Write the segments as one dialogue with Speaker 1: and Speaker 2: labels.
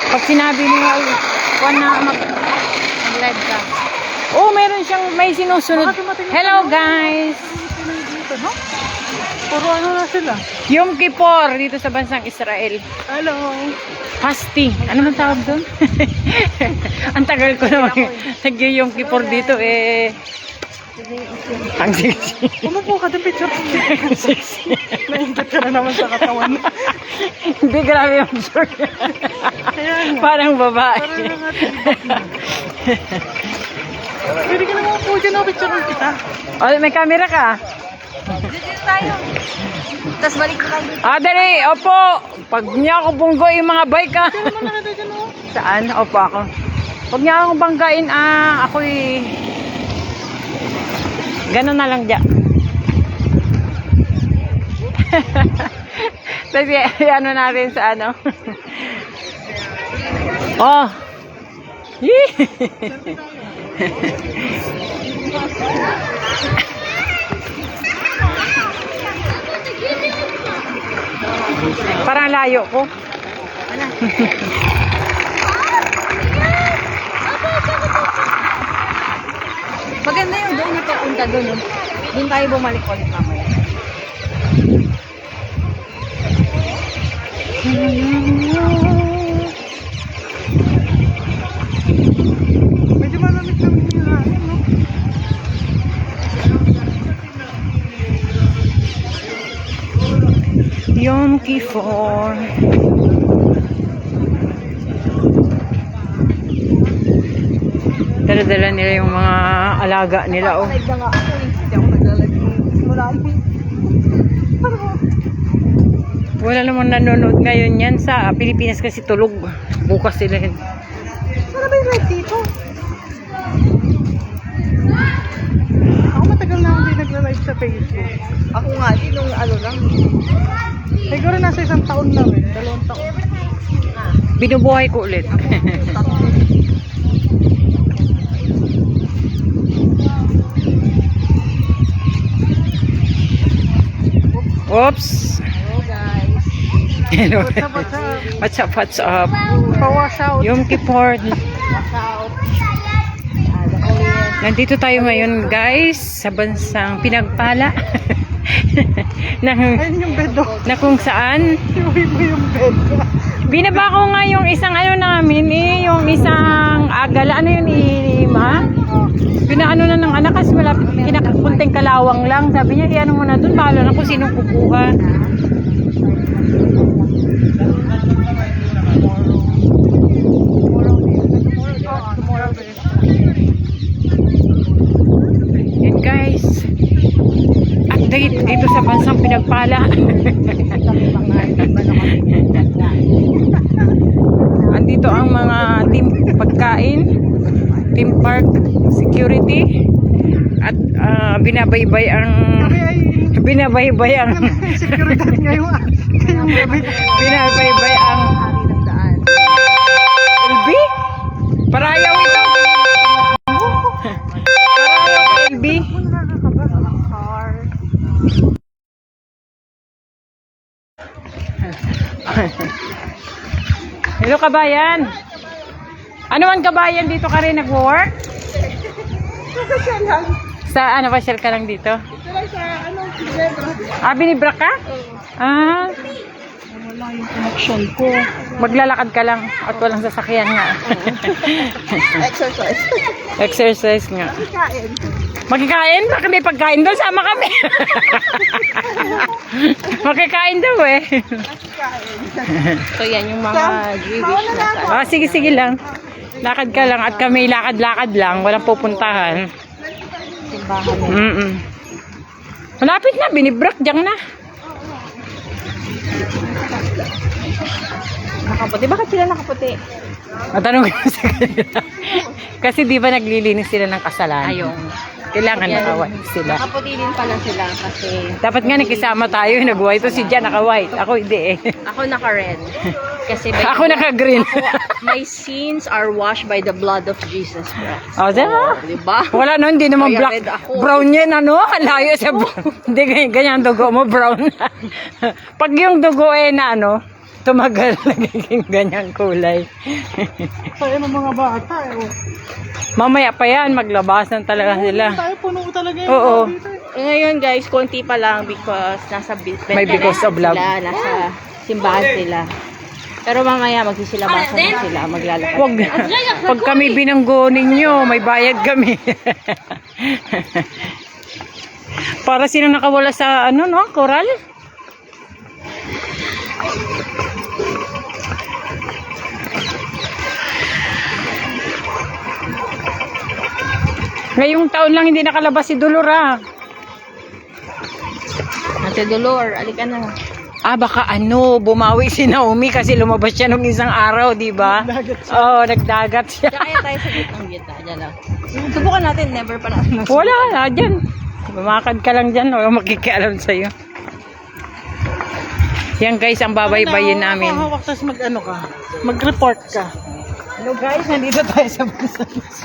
Speaker 1: Pag sinabi mo, kuwan na mag-live ka. Oh, meron siyang may sinusunod. Hello guys!
Speaker 2: Dito, no? Puro ano na sila.
Speaker 1: Yom Kippur dito sa bansang Israel.
Speaker 2: Hello!
Speaker 1: Fasting. Ano man tawag doon? Ang tagal ko naman. Nag-Yom Kippur dito eh. Ang sexy.
Speaker 2: Umupo ka din, picture.
Speaker 1: Ang sexy.
Speaker 2: Naingat ka na naman sa katawan.
Speaker 1: Hindi, grabe yung short. Parang babae.
Speaker 2: Parang natin. Pwede ka naman upo dyan, picture kita.
Speaker 1: Oh, may camera ka?
Speaker 3: Dito tayo. Tapos balik tayo.
Speaker 1: Dali, opo. Pag niya ako bunggo yung mga bike
Speaker 2: Ano naman nakita dyan, oh?
Speaker 1: Saan? Opo ako. Pag niya akong banggain, ako'y ganun na lang dyan. Tapos ano natin sa ano. Oh. Parang layo ko.
Speaker 3: Maganda yung doon na papunta doon. No? Doon tayo bumalik ulit mamaya.
Speaker 2: Medyo malamig lang yung hangin, no?
Speaker 1: Yom Kippur. Dala-dala nila yung mga alaga nila. Oh.
Speaker 3: Live na nga ako eh. Hindi ako naglalagay. Marami.
Speaker 1: Wala namang nanonood ngayon yan sa Pilipinas kasi tulog. Bukas sila.
Speaker 2: Ano ba yung live dito? Ako matagal na hindi nagla-live sa Facebook.
Speaker 3: Ako nga din nung ano lang.
Speaker 2: Siguro nasa 1 taon na rin. 2 taon.
Speaker 1: Binubuhay ko ulit. Oops.
Speaker 3: Hello guys.
Speaker 1: Hello.
Speaker 2: What's up,
Speaker 1: What's
Speaker 2: what's up?
Speaker 1: up?
Speaker 2: Pa-wash out.
Speaker 1: Yom Kippur.
Speaker 3: Watch out.
Speaker 1: Nandito tayo ngayon guys sa bansang pinagpala.
Speaker 2: Ayun yung bed, oh.
Speaker 1: Na kung saan
Speaker 2: Iuwi mo yung bed.
Speaker 1: binaba ko nga yung isang ano namin yung isang agala, ano yun ma? Pinaano na ng anak kasi malapit, kinakapunting kalawang lang. Sabi niya, iano mo na dun, bahala na kung sinong kukuha. Yan guys, update dito sa bansang pinagpala. Andito ang mga team pagkain, team park security, at binabaybay ang
Speaker 2: Seguridad ngayon.
Speaker 1: binabaybay ang
Speaker 3: Hari ng daan.
Speaker 1: LB? Parayaw ito. Parayaw LB. Hello kabayan. Ano man kabayan, dito ka rin nagwo-work? Sa ano, pasyal ka lang dito?
Speaker 2: Ito lang sa ano, Ginebra.
Speaker 1: Binibra ka?
Speaker 2: Wala yung connection ko.
Speaker 1: Maglalakad ka lang at walang sasakyan nga.
Speaker 3: Exercise.
Speaker 1: Exercise nga.
Speaker 2: Kain.
Speaker 1: Magkikain? Baka may pagkain doon, sama kami. Magkikain daw eh.
Speaker 3: So yan yung mga Jewish na sa
Speaker 1: Sige lang. Lakad ka lang at kami lakad-lakad lang. Walang pupuntahan.
Speaker 3: simbahan.
Speaker 1: Malapit na, binibrak dyan na.
Speaker 3: Nakaputi. Bakit sila nakaputi?
Speaker 1: Matanong ko sa kanila. Kasi di ba naglilinis sila ng kasalanan?
Speaker 3: Ayun.
Speaker 1: Kailangan naka-white sila.
Speaker 3: Nakaputi din pala sila kasi
Speaker 1: Dapat nga nakisama tayo, nag-white. Ito si Jan naka-white. Ako hindi eh.
Speaker 3: ako naka-red. Kasi by
Speaker 1: Ako naka-green.
Speaker 3: my sins are washed by the blood of Jesus Christ.
Speaker 1: O, diba?
Speaker 3: Diba?
Speaker 1: Wala no, hindi naman
Speaker 3: Kaya
Speaker 1: black.
Speaker 3: red ako.
Speaker 1: Brown yan, ano? Ang layo sa brown. Hindi ganyan dugo mo, brown. Pag yung dugo eh na ano, tumagal nagiging ganyang kulay.
Speaker 2: Tayo ng mga bata eh. Oh.
Speaker 1: Mamaya pa yan, maglabasan talaga sila.
Speaker 2: Tayo puno talaga yung
Speaker 1: Oo.
Speaker 2: tao dito eh.
Speaker 3: Ngayon guys, konti pa lang because nasa
Speaker 1: May because of love.
Speaker 3: sila, nasa simbahan sila. Pero mamaya magsisilabasan na sila, maglalakad.
Speaker 1: Wag, pag kami binanggo ninyo, may bayad kami. Para sino nakawala sa ano no, koral? Ngayong taon lang hindi nakalabas si Dolora.
Speaker 3: Ate Dolor, alika na.
Speaker 1: Ah, baka ano, bumawi si Naomi kasi lumabas siya nung isang araw, di ba? Oo, nagdagat siya.
Speaker 3: Kaya tayo sa gitnang gitna, dyan lang. Subukan natin, never pa natin.
Speaker 1: Wala na, dyan. Bumakad ka lang dyan, wala makikialam sa'yo. Yan guys, ang babaybayin namin.
Speaker 2: Hawak tapos mag-ano ka. Mag-report ka.
Speaker 1: Hello guys, nandito tayo sa Busan.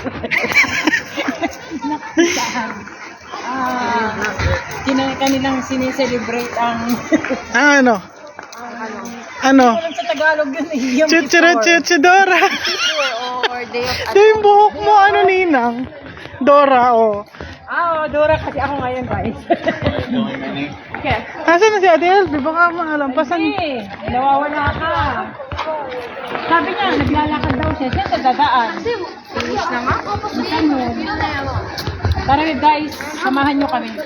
Speaker 1: Kanilang sineselebrate ang...
Speaker 2: Ano? Ano?
Speaker 1: Alam sa Tagalog yun eh. Yung
Speaker 2: Chuchura-chuchudora.
Speaker 3: Or day of
Speaker 2: Ito yung buhok mo, ano ninang? Dora, oh.
Speaker 1: Ah, Dora kasi ako ngayon guys. Okay.
Speaker 2: Nasaan na si Ate Elby? Baka malampasan.
Speaker 1: Hindi, nawawala ka. Sabi niya, naglalakad daw siya sa dadaan.
Speaker 3: Finish na nga?
Speaker 1: Tara guys, samahan niyo kami.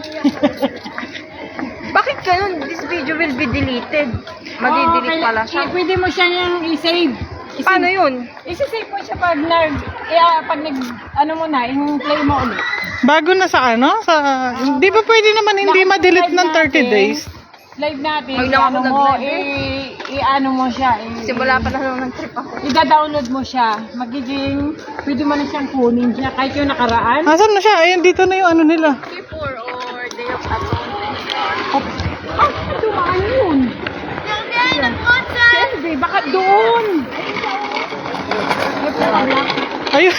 Speaker 3: Bakit ganun? This video will be deleted. Madi-delete pala siya.
Speaker 1: Pwede mo siya yung i-save.
Speaker 3: Paano yun?
Speaker 1: I-save mo siya pag ano mo na, yung play mo ulit.
Speaker 2: Bago na sa ano? Sa... Di ba pwede naman hindi ma-delete ng 30 days?
Speaker 1: Live natin.
Speaker 3: Huwag lang ako
Speaker 1: ano mo,
Speaker 3: nag-live
Speaker 1: i-ano mo siya.
Speaker 3: Simula pa na lang ng trip ako.
Speaker 1: I-download mo siya. Magiging, pwede mo na siyang kunin siya. Kahit yung nakaraan.
Speaker 2: Nasaan na siya? Ayun, dito na yung ano nila.
Speaker 3: Before or day of atonement.
Speaker 1: Ah, dumaan yun. Siyempre, baka doon.
Speaker 2: Ayun.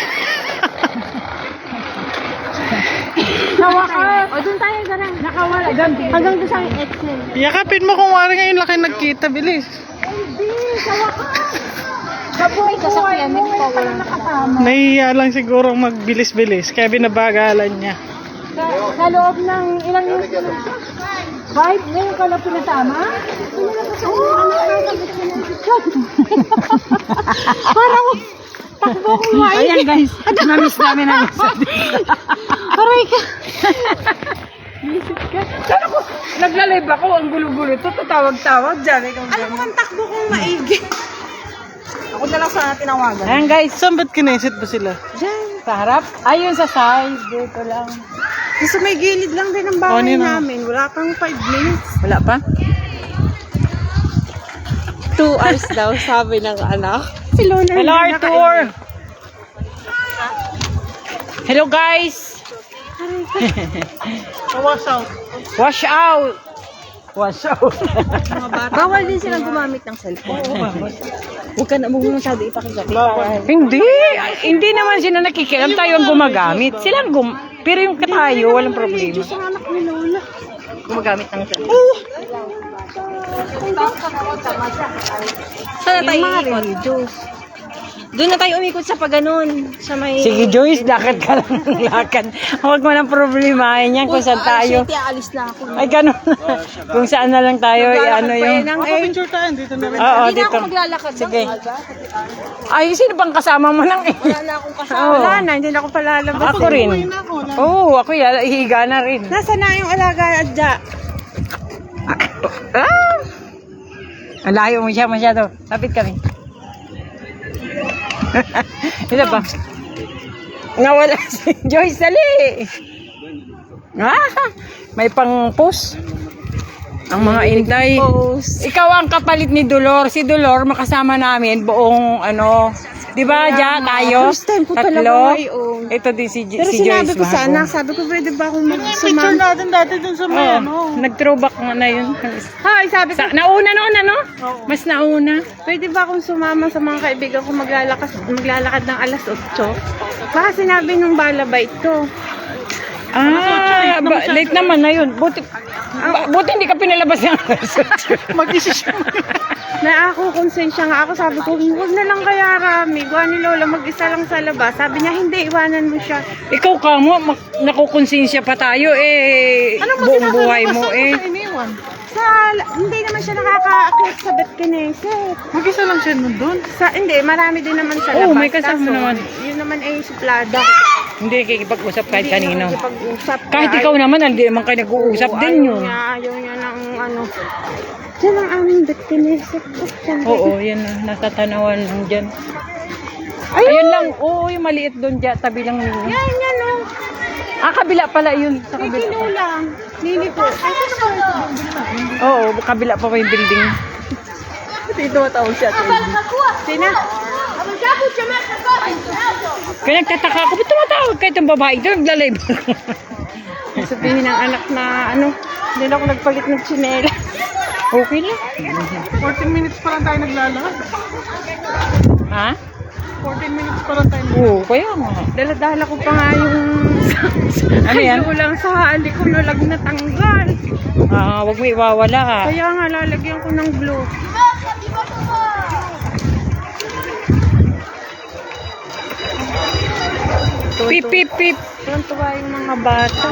Speaker 1: Nawakas.
Speaker 3: O, doon tayo, darang.
Speaker 1: Nakawala. Doon.
Speaker 3: Hanggang doon sa Excel.
Speaker 2: Yakapin mo kung wari ngayon laki nagkita. Bilis.
Speaker 1: Hindi, sa wakas. Sa
Speaker 3: Ay, sasakyan, hindi ko pala
Speaker 1: nakasama.
Speaker 2: Nahiya lang siguro magbilis-bilis. Kaya binabagalan niya.
Speaker 1: Sa loob ng ilang years na lang. 5? Ngayon ka lang pinatama? Parang takbo ko nga. Ayan guys, na-miss namin ang isa. Aray ka. Saan ako? Nagla-live ako, ang gulo-gulo. Ito, tatawag-tawag dyan.
Speaker 3: Alam mo ang takbo kong maigi. Ako na lang sana tinawagan.
Speaker 1: Ayan guys,
Speaker 2: Saan ba't kinesit ba sila?
Speaker 3: Diyan.
Speaker 1: sa harap. Ayun sa side, dito lang.
Speaker 3: Sa may gilid lang din ang
Speaker 2: Oh,
Speaker 3: bahay
Speaker 2: nino.
Speaker 3: namin. Wala pang 5 minutes.
Speaker 1: Wala pa?
Speaker 3: 2 hours daw, sabi ng anak. Si Lola.
Speaker 1: Hello Arthur! Hello guys!
Speaker 2: Wash out.
Speaker 1: Wash out! Wash out!
Speaker 3: Bawal din silang gumamit ng cellphone. Huwag ka na masyado ipakita.
Speaker 1: Hindi! Hindi naman sila nakikialam. Tayo ang gumagamit. Silang pero yung tayo, walang problema.
Speaker 3: Sa anak ni Lola. Gumagamit ng cellphone. Saan na tayo ikot? Doon na tayo umikot sa paganon. Sa may...
Speaker 1: Sige Joyce, lakad ka lang ng lakad. Huwag mo nang problemahin yan kung saan tayo.
Speaker 3: Shit, alis na ako.
Speaker 1: Ay, ganun. Kung saan na lang tayo, ano yung...
Speaker 2: Picture tayo. Dito na rin.
Speaker 1: Oo,
Speaker 3: Hindi na
Speaker 1: dito.
Speaker 3: ako maglalakad.
Speaker 1: Sige. Ay, sino bang kasama mo lang eh?
Speaker 3: Wala na akong kasama.
Speaker 1: Oo.
Speaker 3: Wala na, hindi na ako palalabas.
Speaker 1: Ako rin. Oo, ako higa na rin.
Speaker 3: Nasa na yung alaga at dya?
Speaker 1: Ah! Ang layo mo siya masyado. Lapit kami. Ito pa. Nawala si Joyce, dali. May pang-post. Ang mga intay. Ikaw ang kapalit ni Dolor. Si Dolor makasama namin buong ano. Di ba, Ja, tayo?
Speaker 3: First time ko talaga
Speaker 1: Tatlo.
Speaker 3: ngayon.
Speaker 1: Ito din si
Speaker 3: Pero
Speaker 1: si
Speaker 3: sinabi
Speaker 1: Joyce.
Speaker 3: ko sa
Speaker 1: bago.
Speaker 3: anak, sabi ko pwede ba akong
Speaker 2: Picture
Speaker 3: magsumama?
Speaker 2: natin dati dun sa may ano.
Speaker 1: Nag-throwback na yun.
Speaker 3: Hi, sabi ko,
Speaker 1: Nauna noon, ano? Mas nauna.
Speaker 3: pwede ba akong sumama sa mga kaibigan ko maglalakad ng alas 8? Baka sinabi nung balabait ko.
Speaker 1: Late naman na yun. Buti, Buti hindi ka pinalabas ng
Speaker 2: Mag-isisyon.
Speaker 3: Na ako, konsensya nga ako. Sabi ko, huwag na lang kaya Rami. Gawa ni Lola, mag-isa lang sa labas. Sabi niya, hindi, iwanan mo siya.
Speaker 1: Ikaw ka mo, nakukonsensya pa tayo buong buhay mo
Speaker 2: Iniwan.
Speaker 3: Hindi naman siya nakaka-accept sa Betkineset.
Speaker 2: Mag-isa lang siya nun doon.
Speaker 3: Hindi, marami din naman sa labas.
Speaker 1: Oo, may kasama
Speaker 3: Kaso,
Speaker 1: naman.
Speaker 3: Yun naman ay suplada.
Speaker 1: Hindi kikipag-usap kahit kanino.
Speaker 3: Pag-usap.
Speaker 1: Kahit ikaw naman, hindi naman kayo nag-uusap din yun.
Speaker 3: Ayaw niya ng ano. Diyan ang aming Betkineset.
Speaker 1: Oo, yan na, nasa tanawan lang dyan. Ayun lang, oo, yung maliit doon dyan, tabi lang ninyo.
Speaker 3: Yan, oh.
Speaker 1: Kabila pala yun. Sa
Speaker 3: May
Speaker 1: kabila.
Speaker 3: kinulang. Nini po.
Speaker 1: Oo, kabila pa yung building.
Speaker 3: Dito matawag siya. Sina?
Speaker 1: Kaya nagtataka ako, ba't tumatawag kayo itong babae ito? Naglalay ba?
Speaker 3: Sabihin ng anak na ano, hindi na ako nagpalit ng tsinela.
Speaker 1: Okay lang.
Speaker 2: 14 minutes pa lang tayo naglalakad.
Speaker 1: Ha?
Speaker 2: 14 minutes pa lang tayo
Speaker 1: Oo, kaya nga.
Speaker 3: Dala-dala ko pa nga yung
Speaker 1: Ano yan?
Speaker 3: lang sa hindi ko nalag natanggal.
Speaker 1: Wag mo iwawala ha.
Speaker 3: Kaya nga lalagyan ko ng glue.
Speaker 1: Pip, pip, pip.
Speaker 3: Tuwan-tuwa yung mga bata.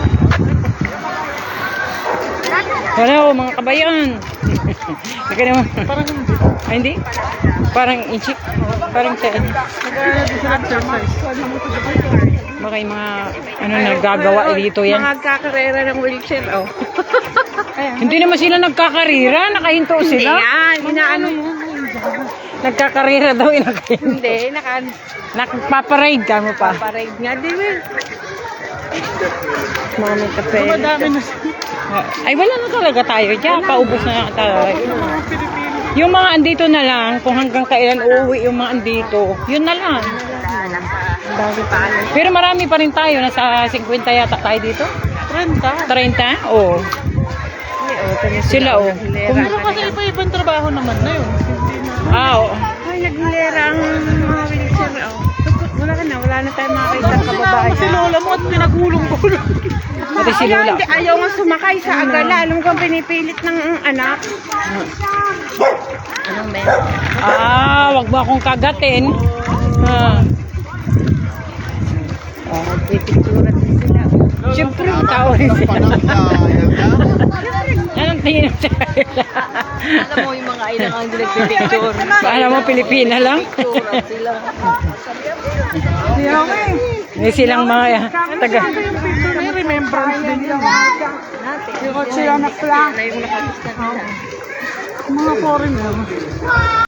Speaker 1: Wala o, mga kabayan. Hindi ka naman.
Speaker 2: Parang hindi.
Speaker 1: Hindi? Parang inchik. Parang saan.
Speaker 2: Nag-aaral din sila exercise.
Speaker 1: Baka yung mga nagagawa dito yan.
Speaker 3: Mga kakarera ng wheelchair, oh.
Speaker 1: Hindi naman sila nagkakarira. Nakahinto
Speaker 3: Hindi
Speaker 1: sila.
Speaker 3: nga, inaano mo.
Speaker 1: Nagkakarira daw.
Speaker 3: Hindi,
Speaker 1: Nagpaparade ka mo pa.
Speaker 3: nakaparade nga, di ba? Mami kape.
Speaker 2: Madami na
Speaker 1: Ay, wala na talaga tayo dyan. Paubos na lang talaga.
Speaker 2: mga Pilipino.
Speaker 1: Yung mga andito na lang, kung hanggang kailan uuwi yung mga andito, yun na lang. Pero marami pa rin tayo. Nasa 50 yata tayo dito.
Speaker 2: 30.
Speaker 1: 30? Oo. Sila, oh.
Speaker 2: Pero kasi iba-ibang trabaho naman na yun. Hindi na.
Speaker 1: Oo.
Speaker 3: Ay, naglilera ang mga wheelchair, oh. Wala na tayong makakita sa
Speaker 2: Sinama
Speaker 3: babae.
Speaker 2: si Lola mo at pinagulong-gulong.
Speaker 1: Pati si Lola.
Speaker 3: Hindi, ayaw nga sumakay sa agala. Alam ko, pinipilit ng anak. Anong meron?
Speaker 1: Wag mo akong kagatin.
Speaker 3: Pipicturat din sila.
Speaker 1: Siyempre, tao rin sila. Anong tingin mo sa kanila?
Speaker 3: Alam mo, yung mga ilang ang nagpipicture.
Speaker 1: Paano mo, Pilipina lang?
Speaker 3: Sila.
Speaker 1: May silang mga taga.
Speaker 2: May remembrance din yun.
Speaker 3: Yung kotse yan na pla. Na yung nakagusta nila.
Speaker 2: Mga foreigner.